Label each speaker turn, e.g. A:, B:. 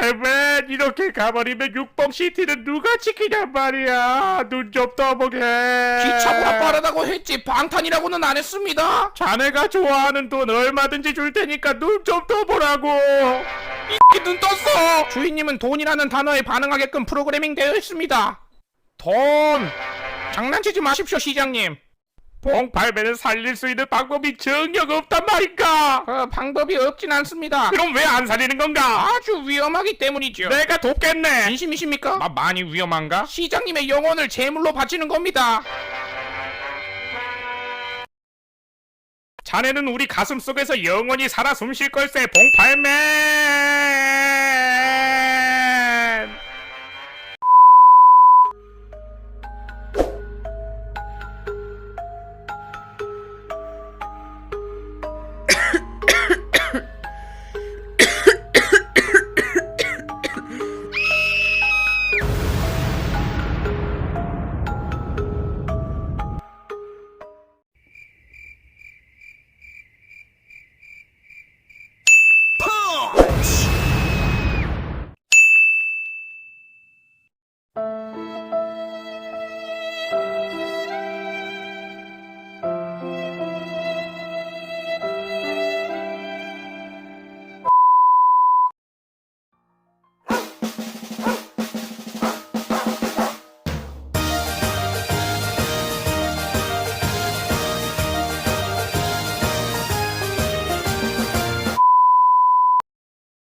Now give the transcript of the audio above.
A: 봉팔맨 이렇게 가버리면 육봉시티는 누가 지키냔 말이야. 눈 좀 떠보게.
B: 기차보다 빠르다고 했지 방탄이라고는 안 했습니다.
A: 자네가 좋아하는 돈 얼마든지 줄 테니까 눈 좀 떠보라고.
B: 이 눈 떴어. 주인님은 돈이라는 단어에 반응하게끔 프로그래밍 되어 있습니다. 돈. 장난치지 마십시오 시장님.
A: 봉팔맨을 살릴 수 있는 방법이 전혀 없단 말인가.
B: 방법이 없진 않습니다.
A: 그럼 왜 안 살리는 건가?
B: 아주 위험하기 때문이죠.
A: 내가 돕겠네.
B: 진심이십니까?
A: 많이 위험한가?
B: 시장님의 영혼을 제물로 바치는 겁니다.
A: 자네는 우리 가슴 속에서 영원히 살아 숨쉴 걸세 봉팔맨.